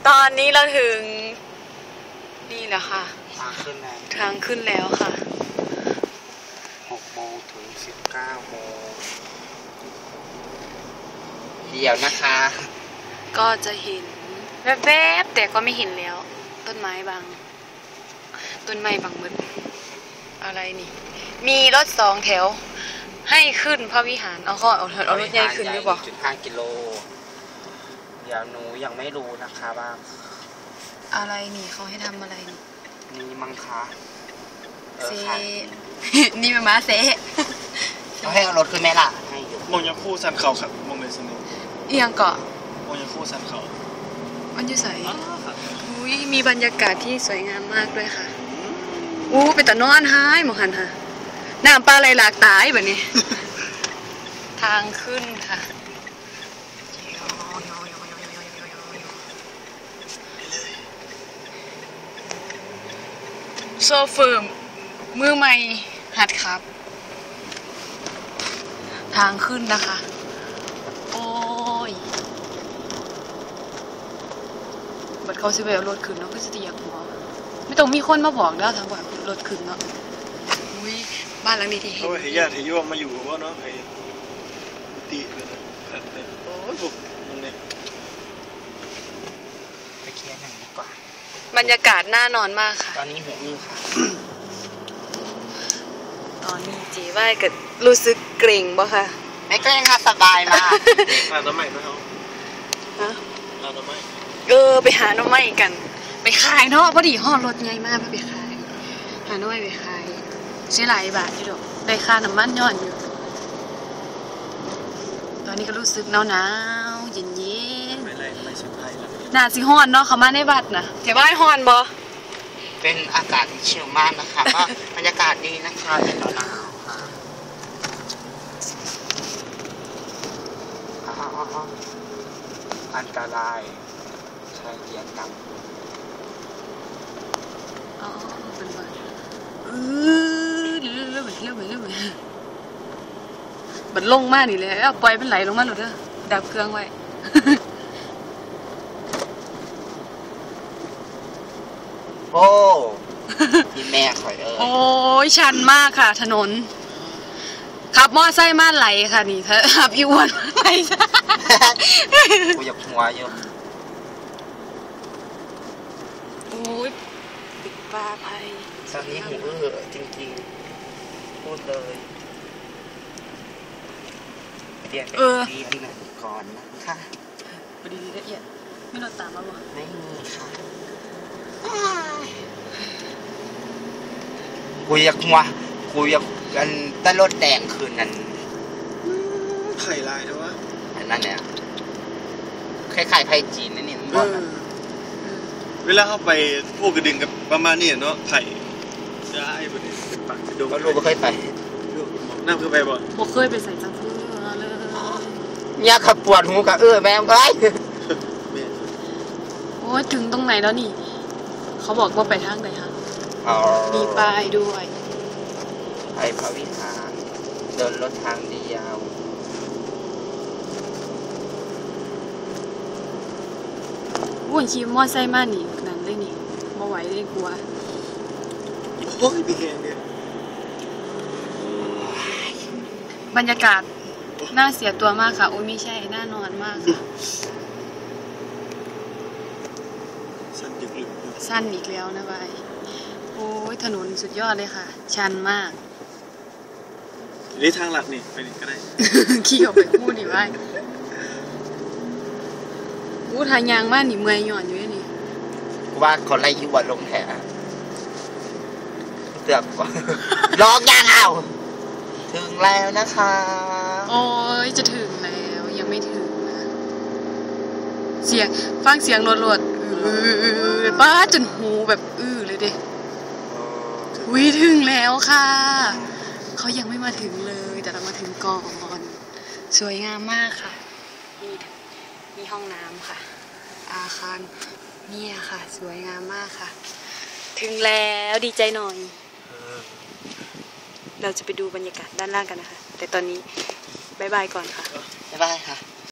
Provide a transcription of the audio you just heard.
ตอนนี้เราถึงนี่แหละค่ะทางขึ้นแล้วค่ะ 6 โมงถึง 19 โมงเดี๋ยวนะคะก็จะเห็นแวบๆแต่ก็ไม่เห็นแล้วต้นไม้บางต้นไม้บางมืดอะไรนี่มีรถ2 แถวให้ขึ้นพระวิหารเอารถใหญ่ขึ้นหรือเปล่า 1.5 กิโลเดี๋ยวหนูยังไม่รู้นะคะว่าอะไรนี่เขาให้ทำอะไรนี่มังคะเซนี่เป็นม้าเซเขาให้เอารถขึ้นไหมล่ะให้อยู่มองยังคู่สันเขาครับมองเลยสนุกเอียงเกาะมองยังคู่สันเขามันจะใสอุ้ยมีบรรยากาศที่สวยงามมากด้วยค่ะเป็นตะนอนหายหมอหันค่ะน้ำปลาไหลหลากตายแบบนี้ ทางขึ้นค่ะโซเฟิร์มมือใหม่หัดครับทางขึ้นนะคะโอ้ยบัดเขาสิไปเอารถขึ้นเนาะก็จะเตียกหัวไม่ต้องมีคนมาบอกแล้วทางว่ารถขึ้นเนาะอุ้ยบ้านหลังนี้ที่เห็นเขาเฮียที่ยวมาอยู่ว่าเนาะไอ้ตีเลยนะโอ้ยผมตรงนี้ไปเคลียร์หนังดีกว่าบรรยากาศน่านอนมากค่ะตอนนี้หูอื้อค่ะตอนนี้จีว่าเกิดรู้สึกเกรงบ่ค่ะไม่เกรงค่ะสบายมากร้านน้ำใหม่ไหมเขาฮะร้านน้ำใหม่ไปหาน้ำใหม่กันไปขายเนาะพอดีห่อรถใหญ่มากไปขายหาน้ำใหม่ไปขายใช้หลายบาทอยู่ดอกได้ค่าน้ำมันย้อนอยู่ตอนนี้ก็รู้สึกหนาวเย็นไม่ใช่ไพ่ละน่าสิฮ้อนเนาะเขามาในบัดนะแถวบ้านฮ้อนบ่เป็นอากาศที่ชิลมากนะคะก็บรรยากาศดีนะคะเป็นหนาวอันตรายใช้เกียร์ต่ำเป็นแบบเรื่อยบัดลงมานี่เลยปล่อยมันไหลลงมาหลุดเด้อดับเครื่องไว้โอ้ที่แม่ข่อยโอ้ยชันมากค่ะถนนขับมอไซค์มาไหลค่ะนี่ขับอีวันมาไหลกูอยากหัวอยู่โอ้ยปิดปลาภัยตอนนี้หูจริงๆพูดเลยเปลี่ยนเป็นดีอันหนึ่งก่อนนะคะดีละเอียดไม่รถตามมาบ่ไม่มีค่ะกูอยากหัวกูอยากกันต้นรถแดงคืนนั้นไข่ลายนะวะอันนั้นเนี่ยคล้ายๆไข่จีนนั่นนี่มันเวลาเข้าไปพวกกระดึงกับประมาณนี้เนาะไข่ได้แบบนี้เป็นปากจะดูก็รู้ก็เคยไปนั่งคือไปบ่ผมเคยไปใส่จังเพื่อเลยยาขับปวดหูกับแม่ไปโอ้ยถึงตรงไหนแล้วนี่เขาบอกว่าไปทางไหนคะมีป้ายด้วยไปพระวิหารเดินรถทางเดียววุ่นขี่มอไซค์มานี่นั่นเลยนี่มาไหวเลยกลัวโอ้ยพี่แกเนี่ยบรรยากาศน่าเสียตัวมากค่ะโอ้ยไม่ใช่น่านอนมากค่ะสั้นอีกแล้วนะใบโอ้ยถนนสุดยอดเลยค่ะชันมากนี่ทางหลักนี่ไปนี่ก็ได้ขี่ออกไปพูดดิว่าทางยางมากนี่เมื่อยหย่อนอยู่นี่ว่าคนไล่ยุบลงแถวเตือกว่าลองยางเอาถึงแล้วนะคะโอ้ยจะถึงแล้วยังไม่ถึงนะเสียงฟังเสียงรวดป้าจนหูแบบเลยดิวิถึงแล้วค่ะเขายังไม่มาถึงเลยแต่เรามาถึงก่อนสวยงามมากค่ะมีห้องน้ำค่ะอาคารเนี่ยค่ะสวยงามมากค่ะถึงแล้วดีใจหน่อยเราจะไปดูบรรยากาศด้านล่างกันนะคะแต่ตอนนี้บ๊ายบายก่อนค่ะบ๊ายบายค่ะ